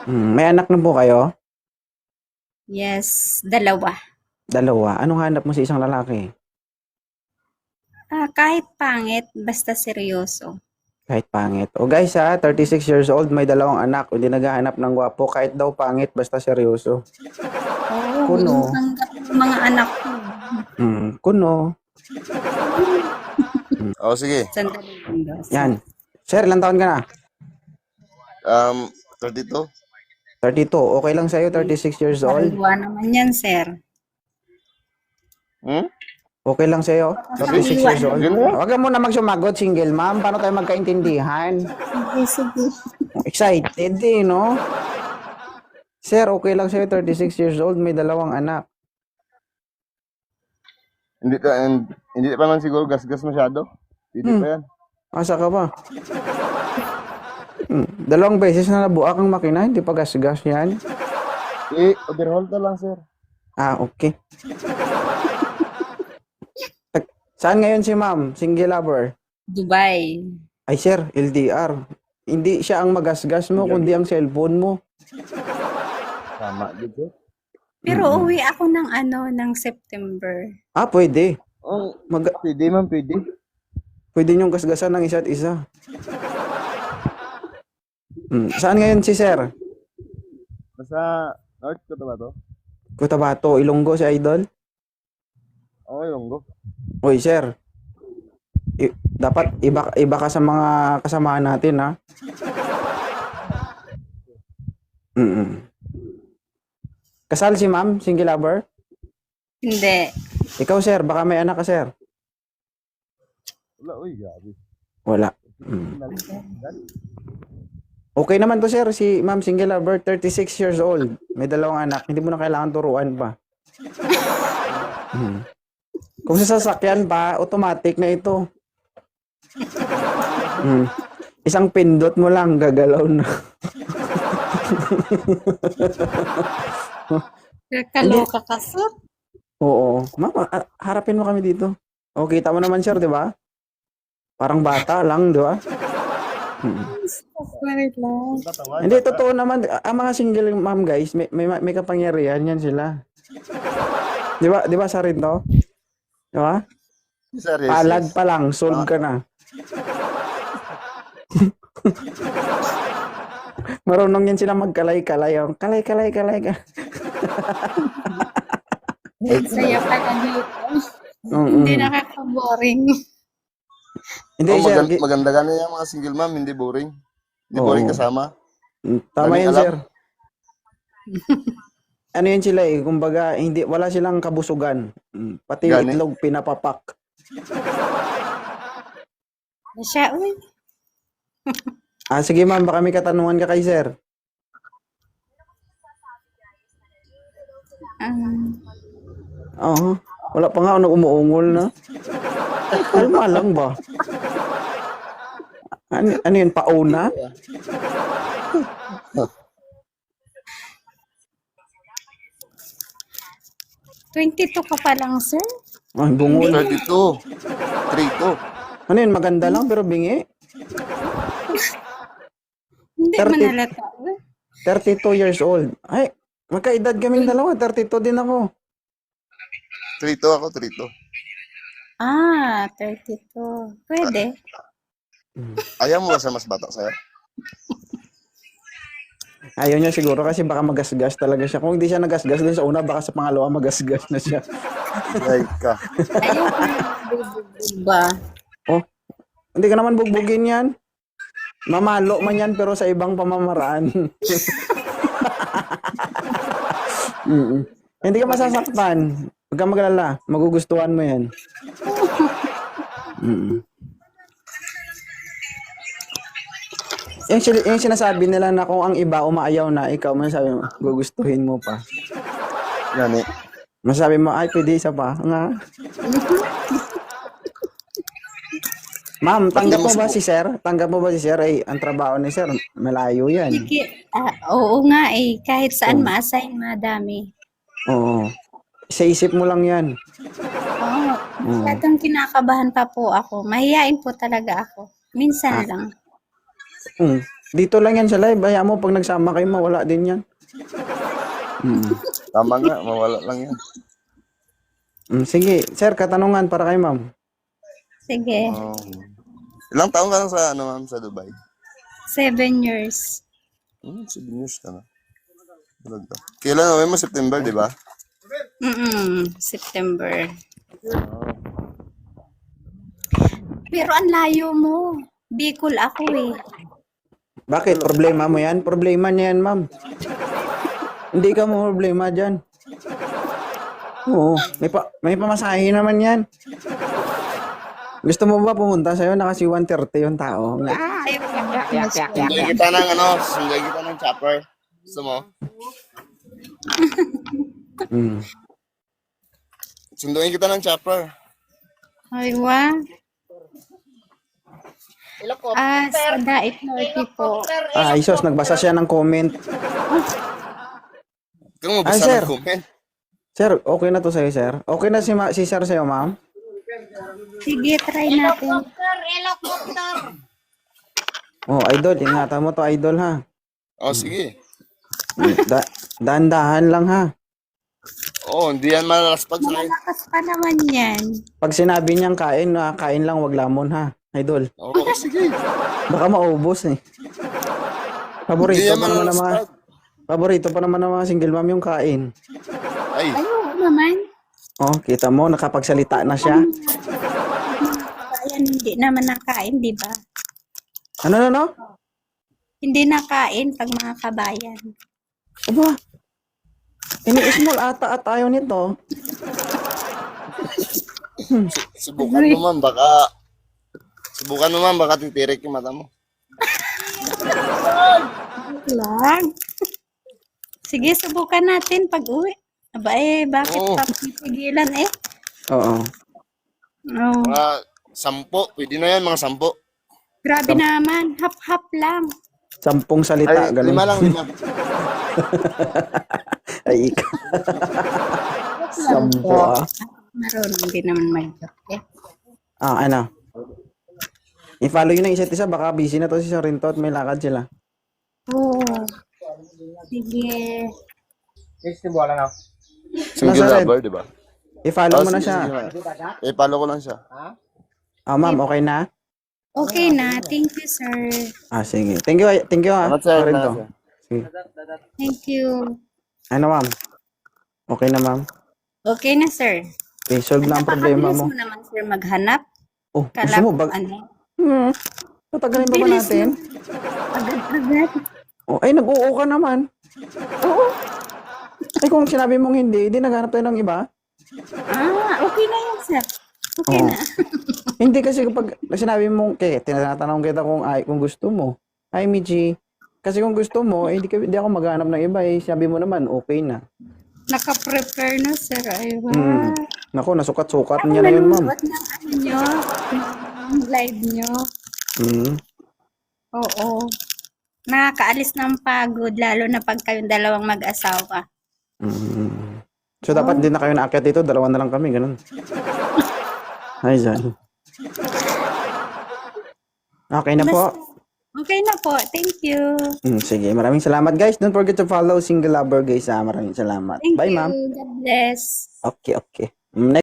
May anak na po kayo? Yes, dalawa. Dalawa. Anong hanap mo sa isang lalaki? Kahit pangit, basta seryoso. Kahit pangit. O guys ha, 36 years old, may dalawang anak. Hindi naghahanap ng gwapo. Kahit daw pangit, basta seryoso. Oo, Kuno. hanggang mga anak ko. Kuno. Sige. Sandali lang daw. Yan. Sir, ilang taon ka na? 32. 32. Okay lang sa'yo, 36 years old? Sariwa naman yan, sir. Okay lang sa'yo, 36 Sariwa years old? naman. Huwag ka muna magsumagot, single ma'am. Paano tayo magkaintindihan? Sige. Excited eh, no? Sir, okay lang sa'yo, 36 years old, may dalawang anak. Hindi pa man siguro gas-gas masyado. Hindi pa yan. Asa ka ba? Dalawang beses na nabuak ang makina, hindi pa gas-gas yan. Overhaul ka lang, sir. Okay. Saan ngayon si ma'am? Single lover? Dubai. Ay sir, LDR. Hindi siya ang magasgas mo, kundi ang cellphone mo. Tama, dito. Pero uwi ako ng September. Pwede. Pwede man, pwede. Pwede niyong gasgasan ng isa't isa. Saan ngayon si sir? Nasa North ko ba to? Cotabato, Ilonggo si Idol? Okay, Longgo. Uy sir, dapat iba ka sa mga kasamahan natin ha. Kasal si ma'am, single lover? Hindi. Ikaw sir, baka may anak ka sir? Wala, uy, gabi. Wala. Okay naman to sir, si ma'am single lover, 36 years old. May dalawang anak, hindi mo na kailangan turuan pa. Kung sa sasakyan pa, automatic na ito. Isang pindot mo lang, gagalaw na. Kaloka ka, sir. Oo. Mama, harapin mo kami dito. O, kita mo naman sir, di ba? Parang bata lang, di ba? Sorry lang. Hindi, totoo naman. Ang mga single mom guys, may kapangyarihan yan sila. Di ba? Di ba sa rin to? Di ba? Sir, yes, Palad yes. pa lang, solve ka na. Marunong yan sila magkalay-kalay. Kalay-kalay ka. Saya pala dito. Hindi nakaka-boring. Hindi, sir. Maganda gani yung mga single mom, hindi boring. Hindi boring kasama. Tama Daming yan, alam. sir. Ano yun sila eh, kumbaga, wala silang kabusugan. Pati Gani. itlog pinapapak. Siya, uy. Sige ma'am, baka may katanungan ka kay sir. Oo. Wala pa nga ako umuungol na. Kalma lang ba? Ano yun, pauna? $22 ka pa lang, sir? Ay, bungol. 32. 32. Ano yun, maganda lang pero bingi. Hindi 30. man halata. 32 years old. Ay, magkaedad kaming dalawa. 32 din ako. 32 ako, 32. 32. Pwede. Ayaw mo ba sa mas bata, sir? Ayaw niya siguro kasi baka magasgas talaga siya. Kung hindi siya nagasgas din sa una, baka sa pangalawa magasgas na siya. Ay ka. Ayaw ko na bubugbog ba? Oh, hindi ka naman bugbugin yan. Mamalo man yan pero sa ibang pamamaraan. Hindi ka masasaktan. Huwag kang magalala. Magugustuhan mo yan. Yung sinasabi nila na kung ang iba umaayaw na, ikaw masasabi mo, gugustuhin mo pa. Gani. Masasabi mo, ay, pwede isa pa. Nga. Ma'am, tanggap mo ba si sir? Tanggap mo ba si sir? Ay, ang trabaho ni sir, malayo yan. Oo nga eh. Kahit saan ma-assign, madami. Oo. Sa isip mo lang yan. Oo. Masyadong kinakabahan pa po ako. Mahihain po talaga ako. Minsan lang. Dito lang yan sa live. Hayaan mo, pag nagsama kayo, mawala din yan. Tama nga, mawala lang yan. Sige, sir, katanungan para kay ma'am. Sige, Oh. Ilang taon ka lang sa, ma'am, sa Dubai? 7 years. 7 years ka na. Talaga. Kailan uwi mo? September, di ba? September. Pero ang layo mo. Bicol ako eh. Bakit? Problema mo yan? Problema niya yan, ma'am. Hindi ka mo problema dyan. Oo, may pamasahe naman yan. Gusto mo ba pumunta sa'yo? Nakasi 130 yung tao. Ay, Sunduin kita ng sunduin kita ng chopper. Gusto mo? Sunduin kita ng chopper. Ay, wa. Sa Dait Norte po. Isos, nagbasa siya ng comment. Kung Ay, mabasa sir. ng comment. Sir, okay na to sa'yo, sir? Okay na si sir sa'yo, ma'am? Sige, try natin. Oh, idol, ingatan mo to, idol, ha? Oh, sige. Dahan-dahan lang, ha? Oh, hindi yan malalaspag sa akin. Malakas pa naman yan. Pag sinabi niyang kain, kain lang, wag lamon, ha? Idol, Oh, sige. baka maubos, eh. Hindi yan Paborito pa naman ng mga single mom yung kain. Ay, Ayun naman. Oh, kita mo, nakapagsalita na siya. Ayan, hindi naman nakain, di ba? Ano? Hindi nakain pag mga kabayan. Aba, ini-small ata at ayaw nito. subukan mo man, baka titirik yung mata mo. Lang. Sige, subukan natin pag-uwi. Aba bakit Oo. papipigilan eh? Oo. Oh, Mga 10, pwede na yan, mga 10. grabe naman. Hap-hap lang. 10 salita, Ay, ganun. 5 lang, 5. Ay, ikaw. 10, ah. Marunong din naman mag-joke eh. Ano? I-follow yun ng isa't isa, baka busy na to si Sorinto at may lakad sila. Oo. Sige. Single Nasa lover, di ba? I-follow mo na sige, siya. sige. Follow ko lang siya. Ma'am, okay na? Okay na. Thank you, sir. Sige. Thank you, ha. Salamat, sir. Sorinto. Salamat, sir. Sige. Thank you. Ano, ma'am? Okay na, ma'am? Okay na, sir. Okay, solve na ang problema Napakabilis mo. mo naman, sir, maghanap. Oh, gusto Kala mo ko ba? ano. Tatagalin pa ba Bilis natin? Agad-agad. Oh, ay, nag-oo ka naman. Oo. Ay, kung sinabi mong hindi naghanap tayo ng iba. Okay na yan, sir. Okay Oo. na. Hindi kasi kapag sinabi mong, tinatanong kita kung gusto mo. Ay, Michi. Kasi kung gusto mo, hindi ako maghanap ng iba. Sabi mo naman, okay na. Naka-prepare na, sir. Ay, wow. Naku, nasukat-sukat niya na yun, ma'am. Nanonood ng ano nyo, ng live nyo. Oo. Nakakaalis ng pagod, lalo na pag kayong dalawang mag-asawa. So, dapat din na kayo naakyat dito. Dalawa na lang kami, ganun. Ay, Zan. Okay na po. Okay na po. Thank you. Sige, maraming salamat, guys. Don't forget to follow Single Lover, guys. Maraming salamat. Thank Bye, you. ma'am. God bless. Okay.